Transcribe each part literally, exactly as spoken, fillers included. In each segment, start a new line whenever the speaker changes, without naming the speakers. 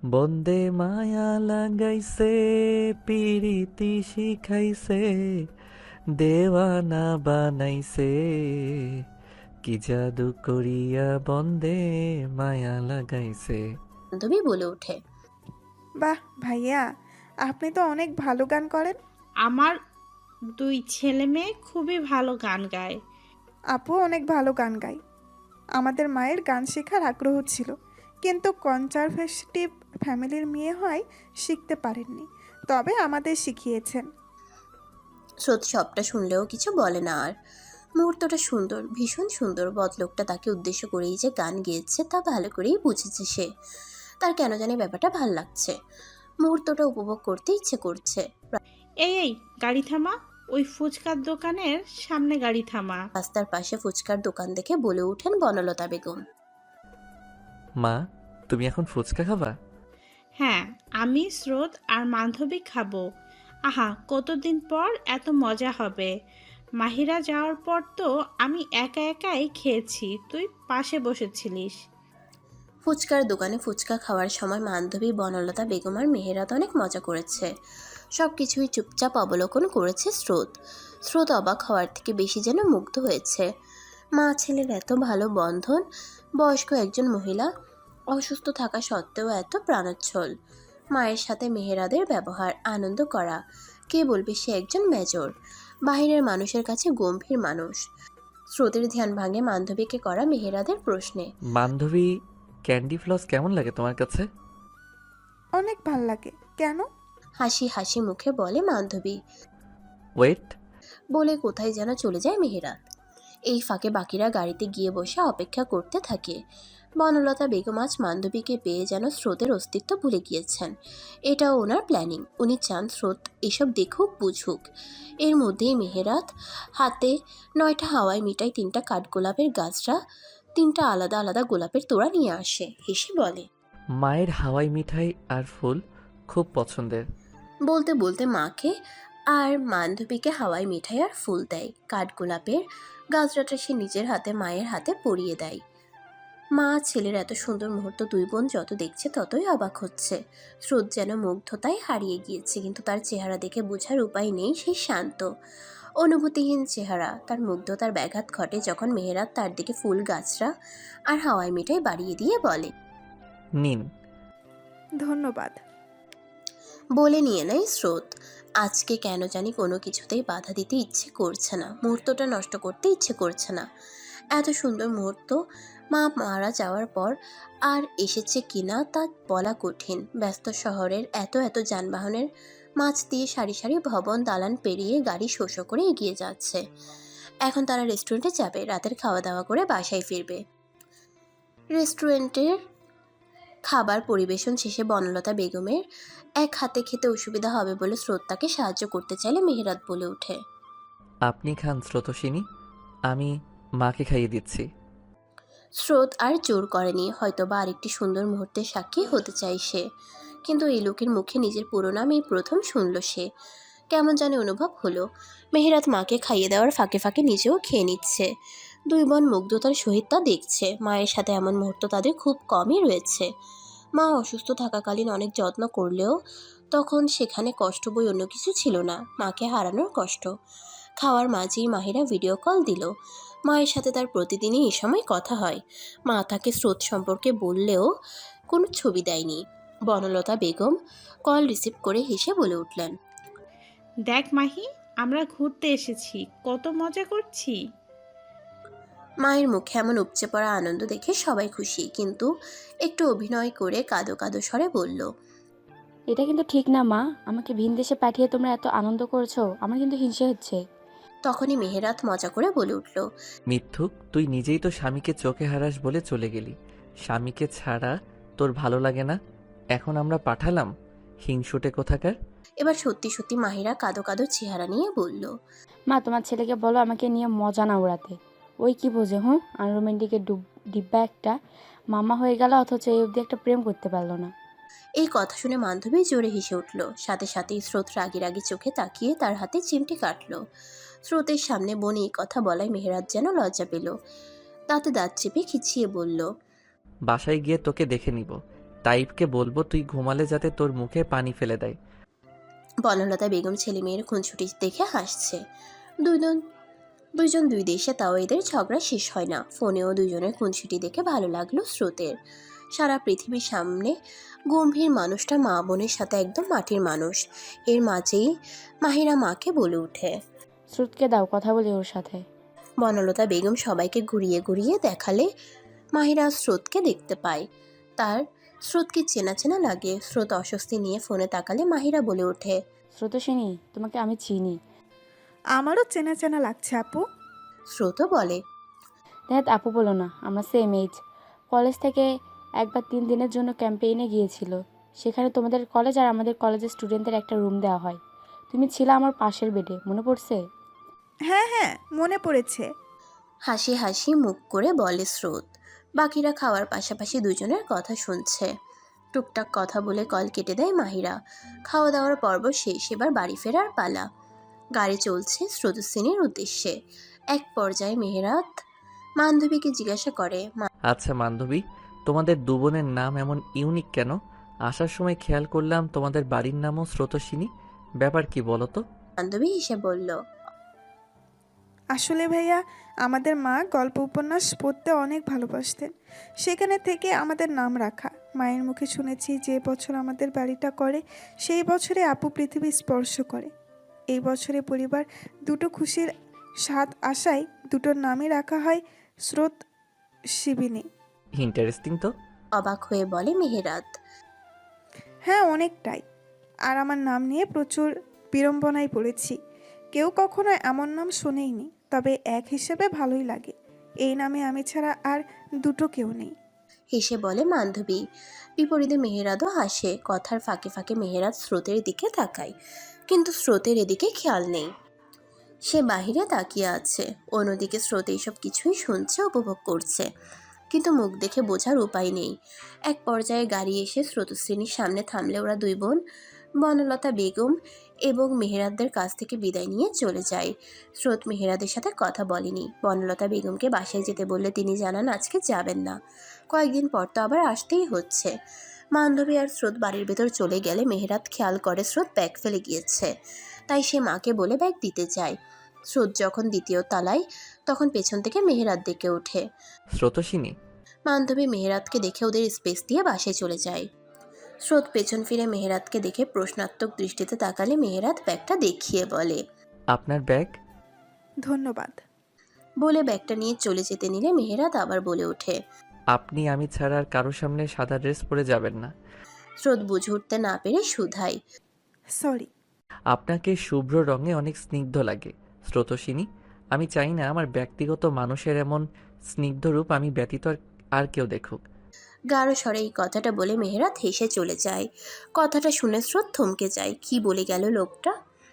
বন্দে মায়া লাগাইছে, পিরিতি শিখাইছে, দেওয়ানা বানাইছে, কি জাদু করিয়া বন্দে মায়া লাগাইছে।
বান্ধবী বলে ওঠে।
বাহ ভাইয়া, আপনি তো অনেক ভালো গান করেন।
আমার দুই ছেলে মেয়ে খুবই ভালো গান গায়।
আপু অনেক ভালো গান গায়। আমাদের মায়ের গান শেখার আগ্রহ ছিল, কিন্তু কনজারভেটিভ ফ্যামিলির মেয়ে হয় শিখতে পারেননি, তবে আমাদের শিখিয়েছেন।
স্রোত সবটা শুনলেও কিছু বলে না আর। মুহূর্তটা সুন্দর, ভীষণ সুন্দর। বদলোকটা তাকে উদ্দেশ্য করেই যে গান গেয়েছে তা ভালো করেই বুঝেছে সে। তার কেন জানি ব্যাপারটা ভাল লাগছে, মুহূর্তটা উপভোগ করতে ইচ্ছে করছে।
এই এই গাড়ি থামা, ওই ফুচকার দোকানের সামনে গাড়ি থামা।
রাস্তার পাশে ফুচকার দোকান দেখে বলে ওঠেন বনলতা বেগম।
মা, তুমি এখন ফুচকা খাবা?
হ্যাঁ, আমি স্রোত আর বান্ধবী খাবো। আহা, কতদিন পর এত মজা হবে। মাহিরা যাওয়ার পর তো আমি একা একাই খেয়েছি, তুই পাশে বসেছিলিস।
ফুচকার দোকানে ফুচকা খাওয়ার সময় বান্ধবী বনলতা বেগম আর মেহেরাত অনেক মজা করেছে। সব কিছুই চুপচাপ অবলোকন করেছে স্রোত। স্রোত অবাক হওয়ার থেকে বেশি যেন মুগ্ধ হয়েছে। মা ছেলের এত ভালো বন্ধন, বয়স্ক একজন মহিলা অসুস্থ থাকা সত্ত্বেও এত প্রাণোচ্ছল। মায়ের সাথে মেহেরাদের ব্যবহার, আনন্দ করা। কে বলবে সে একজন মেজর, বাহিরের মানুষের কাছে গম্ভীর মানুষ। স্রোতের ধ্যান ভাঙে বান্ধবীকে করা মেহেরাদের প্রশ্নে।
বান্ধবী, ক্যান্ডি ফ্লস কেমন লাগে তোমার কাছে?
অনেক ভাল লাগে। কেন?
হাসি হাসি মুখে বলে বান্ধবী।
ওয়েট।
বলে কোথায় যেন চলে যায় মেহেরাত। এই ফাঁকে বাকিরা গাড়িতে গিয়ে বসে অপেক্ষা করতে থাকে। বনলতা বেগম আজ বান্ধবীকে পেয়ে যেন স্রোতের অস্তিত্ব ভুলে গিয়েছেন। এটাও ওনার প্ল্যানিং। উনি চান স্রোত এসব দেখুক, বুঝুক। এর মধ্যেই মেহেরাত হাতে নয়টা হাওয়াই মিঠাই, তিনটা কাঠগোলাপের গাছরা, তিনটা আলাদা আলাদা গোলাপের তোড়া নিয়ে আসে। হেসে বলে,
মায়ের হাওয়াই মিঠাই আর ফুল খুব পছন্দের।
বলতে বলতে মাকে আর বান্ধবীকে হাওয়াই মিঠাই আর ফুল দেয়। কাঠগোলাপের গাছরাটা সে নিজের হাতে মায়ের হাতে পরিয়ে দেয়। মা ছেলের এত সুন্দর মুহূর্ত দুই বোন যত দেখছে ততই অবাক হচ্ছে। স্রোত যেন মুগ্ধতায় হারিয়ে গিয়েছে, কিন্তু তার চেহারা দেখে বোঝার উপায় নেই সে শান্ত, অনুভূতিহীন চেহারা। তার মুগ্ধতার ব্যাঘাত ঘটে যখন মেহেরাত তার দিকে ফুল গাছরা আর হাওয়াই মিঠাই বাড়িয়ে দিয়ে বলে,
নিন।
ধন্যবাদ।
বলে নিয়ে নেয় স্রোত। আজকে কেন জানি কোনো কিছুতেই বাধা দিতে ইচ্ছে করছে না, মুহূর্তটা নষ্ট করতে ইচ্ছে করছে না। এত সুন্দর মুহূর্ত মা মারা যাওয়ার পর আর এসেছে কিনা তা বলা কঠিন। ব্যস্ত শহরের এত এত যানবাহনের মাঝ দিয়ে সারি সারি ভবন দালান পেরিয়ে গাড়ি শো শো করে এগিয়ে যাচ্ছে। এখন তারা রেস্টুরেন্টে যাবে, রাতের খাওয়া দাওয়া করে বাসায় ফিরবে। রেস্টুরেন্টের খাবার পরিবেশন শেষে বনলতা বেগমের এক হাতে খেতে অসুবিধা হবে বলে স্রোত তাকে সাহায্য করতে চাইলে মেহেরাত বলে ওঠে,
আপনি খান স্রোতসিনী, আমি মাকে খাইয়ে দিচ্ছি।
স্রোত আর জোর করেনি, হয়তোবা আরেকটি সুন্দর মুহূর্তের সাক্ষী হতে চাই সে। কিন্তু এই লোকের মুখে নিজের পুরো নাম এই প্রথম শুনল সে। কেমন জানি অনুভব হলো। মেহেরাত মাকে খাইয়ে দেওয়ার ফাঁকে ফাঁকে নিজেও খেয়ে নিচ্ছে। দুই বোন মুগ্ধতার সহিত তা দেখছে। মায়ের সাথে এমন মুহূর্ত তাদের খুব কমই রয়েছে। মা অসুস্থ থাকাকালীন অনেক যত্ন করলেও তখন সেখানে কষ্ট বই অন্য কিছু ছিল না, মাকে হারানোর কষ্ট। খাওয়ার মাঝেই মাহিরা ভিডিও কল দিল। মায়ের সাথে তার প্রতিদিনই এই সময় কথা হয়। মা তাকে স্রোত সম্পর্কে বললেও কোনো ছবি দেয়নি। বনলতা বেগম কল রিসিভ করে হেসে বলে উঠলেন,
দেখ মাহি, আমরা ঘুরতে এসেছি, কত মজা করছি।
মায়ের মুখে এমন উপচে পড়া আনন্দ দেখে সবাই খুশি, কিন্তু একটু অভিনয় করে কাঁদো কাঁদো স্বরে বলল,
এটা কিন্তু ঠিক না মা, আমাকে ভিন দেশে পাঠিয়ে তোমরা এত আনন্দ করেছো, আমার কিন্তু হিংসে হচ্ছে।
তখনই মেহেরাত মজা করে বলে উঠল,
মিথ্যুক, তুই নিজেই তো স্বামীকে চোখে হারাস বলে চলে গেলি। স্বামীকে ছাড়া তোর ভালো লাগে না, এখন আমরা পাঠালাম? হিংসুটে কোথাকার।
এবার সত্যি সত্যি মাহিরা কাঁদো কাঁদো চেহারা নিয়ে বলল,
মা তোমার ছেলেকে বলো আমাকে নিয়ে মজা না উড়াতে। ওই কি বোঝে, হুঁ, আনরোমেন্টিকের ডুব ডিব্বা একটা। মামা হয়ে গেল অথচ এই অবধি একটা প্রেম করতে পারলো না।
এই কথা শুনে বান্ধবী জোরে হেসে উঠল। সাথে সাথেই স্রোত রাগি রাগি চোখে তাকিয়ে তার হাতে চিমটি কাটল। স্রোতের সামনে বোন এই কথা বলায় মেহেরাত যেন লজ্জা পেল। দাঁতে দাঁত চেপে খিচিয়ে বলল,
বাসায় গিয়ে তোকে দেখে নিব। তাইবকে বলবো তুই ঘুমালে যাতে তোর মুখে পানি ফেলে দেয়।
বনলতা বেগম ছেলে মেয়ের খুনছুটি দেখে হাসছে। দুজন দুইজন দুই দেশে, তাও এদের ঝগড়া শেষ হয় না। ফোনেও দুজনের খুনছুটি দেখে ভালো লাগলো স্রোতের। সারা পৃথিবীর সামনে গম্ভীর মানুষটা মা বোনের সাথে একদম মাটির মানুষ। এর মাঝেই মাহিরা মাকে বলে ওঠে।
স্রোতকে দাও, কথা বলি ওর সাথে।
বনলতা বেগম সবাইকে ঘুরিয়ে ঘুরিয়ে দেখালে মাহিরা স্রোতকে দেখতে পায়। তার স্রোতকে চেনা চেনা লাগে। স্রোত অস্বস্তি নিয়ে ফোনে তাকালে মাহিরা বলে ওঠে।
স্রোতস্বিনী, তোমাকে আমি চিনি।
আমারও চেনা চেনা লাগছে আপু।
স্রোতও বলে।
দেখ আপু বলো না, আমরা সেম এজ। কলেজ থেকে একবার তিন দিনের জন্য ক্যাম্পেইনে গিয়েছিল। সেখানে তোমাদের কলেজ আর আমাদের কলেজের স্টুডেন্টদের একটা রুম দেওয়া হয়। তুমি ছিলে আমার পাশের বেডে, মনে পড়ছে?
হ্যাঁ হ্যাঁ, মনে পড়েছে।
হাসি হাসি মুখ করে বলে স্রোত। বাকিরা খাওয়ার পাশাপাশি দুজনের কথা শুনছে। টুকটাক কথা বলে কল কেটে দেয় মাহিরা। খাওয়া দাওয়ার পর্ব শেষ, এবার বাড়ি ফেরার পালা। গাড়ি চলছে স্রোতস্বিনীর উদ্দেশ্যে। এক পর্যায়ে মেহেরাত বান্ধবীকে জিজ্ঞাসা করে।
আচ্ছা বান্ধবী, তোমাদের দু বোনের নাম এমন ইউনিক কেন? আসার সময় খেয়াল করলাম তোমাদের বাড়ির নামও স্রোতস্বিনী। ব্যাপার কি বলো তো?
বান্ধবী এসে বলল।
আসলে ভাইয়া, আমাদের মা গল্প উপন্যাস পড়তে অনেক ভালোবাসতেন। সেখানে থেকে আমাদের নাম রাখা। মায়ের মুখে শুনেছি যে বছর আমাদের বাড়িটা করে সেই বছরে আপু পৃথিবী স্পর্শ করে। এই বছরে পরিবার দুটো খুশির স্বাদ আশায় দুটোর নামই রাখা হয় স্রোত শিবিনী।
ইন্টারেস্টিং তো।
অবাক হয়ে বলে মেহেরাত।
হ্যাঁ, অনেকটাই। আর আমার নাম নিয়ে প্রচুর বিড়ম্বনায় পড়েছি। কেউ কখনো এমন নাম শোনেইনি, তবে এক হিসেবে ভালোই লাগে। এই নামে আমি ছাড়া আর দুটো কেউ নেই।
হেসে বলে বান্ধবী। বিপরীতে মেহেরাতও হাসে। কথার ফাঁকে ফাঁকে মেহেরাত স্রোতের দিকে তাকায়, কিন্তু স্রোতের এদিকে খেয়াল নেই। সে বাহিরে তাকিয়ে আছে। অন্যদিকে স্রোত এইসব কিছুই শুনছে, উপভোগ করছে, কিন্তু মুখ দেখে বোঝার উপায় নেই। এক পর্যায়ে গাড়ি এসে স্রোতস্বিনীর সামনে থামলে ওরা দুই বোন বনলতা বেগম এবং মেহেরাতদের কাছ থেকে বিদায় নিয়ে চলে যায়। স্রোত মেহেরাদের সাথে কথা বলেনি। বনলতা বেগমকে বাসায় যেতে বললে তিনি জানান আজকে যাবেন না, কয়েকদিন পর তো আবার আসতেই হচ্ছে। বান্ধবী আর স্রোত বাড়ির ভেতর চলে গেলে মেহেরাত খেয়াল করে স্রোত ব্যাগ ফেলে গিয়েছে। তাই সে মাকে বলে ব্যাগ দিতে যায়। স্রোত যখন দ্বিতীয় তলায়, তখন পেছন থেকে মেহেরাত ডেকে ওঠে।
স্রোতস্বিনী।
বান্ধবী মেহেরাতকে দেখে ওদের স্পেস দিয়ে বাসায় চলে যায়। স্রোত পেছন ফিরে মেহেরাতকে দেখে প্রশ্নাত্মক দৃষ্টিতে তাকালে মেহেরাত ব্যাগটা দেখিয়ে বলে।
আপনার ব্যাগ?
ধন্যবাদ।
বলে ব্যাগটা নিয়ে চলে যেতে নিলে মেহেরাত আবার বলে ওঠে।
আপনি আমি ছাড়া আর কারোর সামনে সাদা ড্রেস পরে যাবেন না।
স্রোত বুঝে উঠতে না পেরে শুধায়।
সরি।
আপনাকে শুভ্র রঙে অনেক স্নিগ্ধ লাগে স্রোতস্বিনী। আমি চাই না আমার ব্যক্তিগত মানুষের এমন স্নিগ্ধ রূপ আমি ব্যতীত আর- আর কেউ দেখুক।
গাঢ় স্বরে এই কথাটা বলে মেহেরাত হেসে চলে যায়। কথাটা শুনে স্রোত থমকে যায়। কি বলে গেল লোকটা?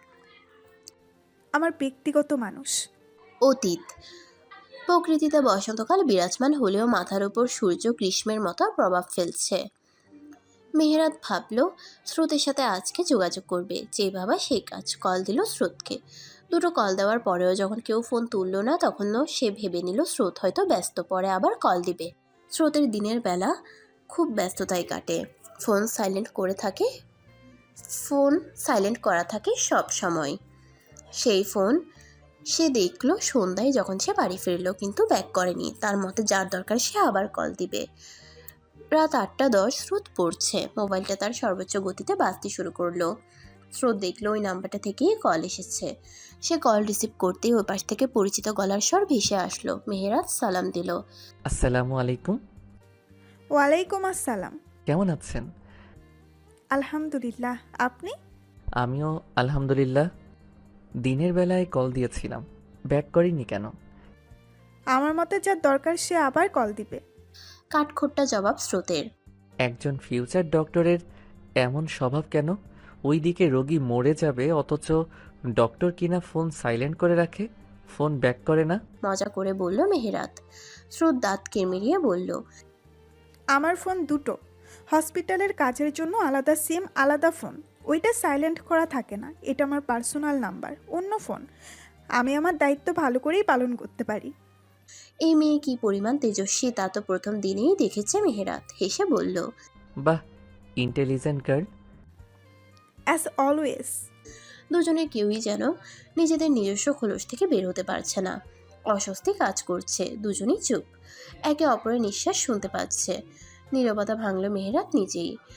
আমার ব্যক্তিগত মানুষ।
অতীত। প্রকৃতিতে বসন্তকাল বিরাজমান হলেও মাথার উপর সূর্য গ্রীষ্মের মতো প্রভাব ফেলছে। মেহেরাত ভাবল স্রোতের সাথে আজকে যোগাযোগ করবে। যে ভাবা সেই কাজ। কল দিল স্রোতকে। দুটো কল দেওয়ার পরেও যখন কেউ ফোন তুলল না, তখনও সে ভেবে নিল স্রোত হয়তো ব্যস্ত, পরে আবার কল দিবে। স্রোতের দিনের বেলা খুব ব্যস্ততায় কাটে। ফোন সাইলেন্ট করে থাকে ফোন সাইলেন্ট করা থাকে সব সময়। সেই ফোন সে দেখলো সন্ধ্যায় যখন সে বাড়ি ফিরল, কিন্তু ব্যাক করেনি। তার মতে যার দরকার সে আবার কল দিবে। রাত আটটা দশ। স্রোত পড়ছে। মোবাইলটা তার সর্বোচ্চ গতিতে বাজতে শুরু করলো। স্রোত দেখলো ওই নাম্বারটা থেকেই কল এসেছে। সে কল রিসিভ করতেই ওই পাশ থেকে পরিচিত গলার স্বর ভেসে আসলো। মেহেরাত সালাম দিল।
আসসালামু আলাইকুম।
ওয়ালাইকুম আসসালাম।
কেমন আছেন?
আলহামদুলিল্লাহ, আপনি?
আমিও আলহামদুলিল্লাহ। দিনের বেলায় কল দিয়েছিলাম, ব্যাক করিনি কেন?
আমার মতে যার দরকার সে আবার কল দিবে।
কাঠখোট্টা জবাব স্রোতের।
একজন ফিউচার ডক্টরের এমন স্বভাব কেন? ওই দিকে রোগী মরে যাবে, অথচ ডক্টর কিনা ফোন সাইলেন্ট করে রাখে, ফোন ব্যাক করে না।
মজা করে বলল মেহেরাত। স্রোত দাঁত কিরমিরিয়ে বলল।
আমার ফোন দুটো। হসপিটালের কাজের জন্য আলাদা সিম, আলাদা ফোন। ওইটা সাইলেন্ট করা থাকে না। এটা আমার পার্সোনাল নাম্বার, অন্য ফোন। আমি আমার দায়িত্ব ভালো করেই পালন করতে পারি।
এই মেয়ে কি পরিমাণ তেজস্বী তা তো প্রথম দিনেই দেখেছে মেহেরাত। হেসে বলল।
বাহ, ইন্টেলিজেন্ট গার্ল।
As always.
দুজনে কেউই যেন নিজেদের নিজস্ব খোলস থেকে বের হতে পারছে না। অস্বস্তি কাজ করছে, দুজনেই চুপ, একে অপরের নিঃশ্বাস শুনতে পাচ্ছে। নীরবতা ভাঙল মেহেরাত নিজেই।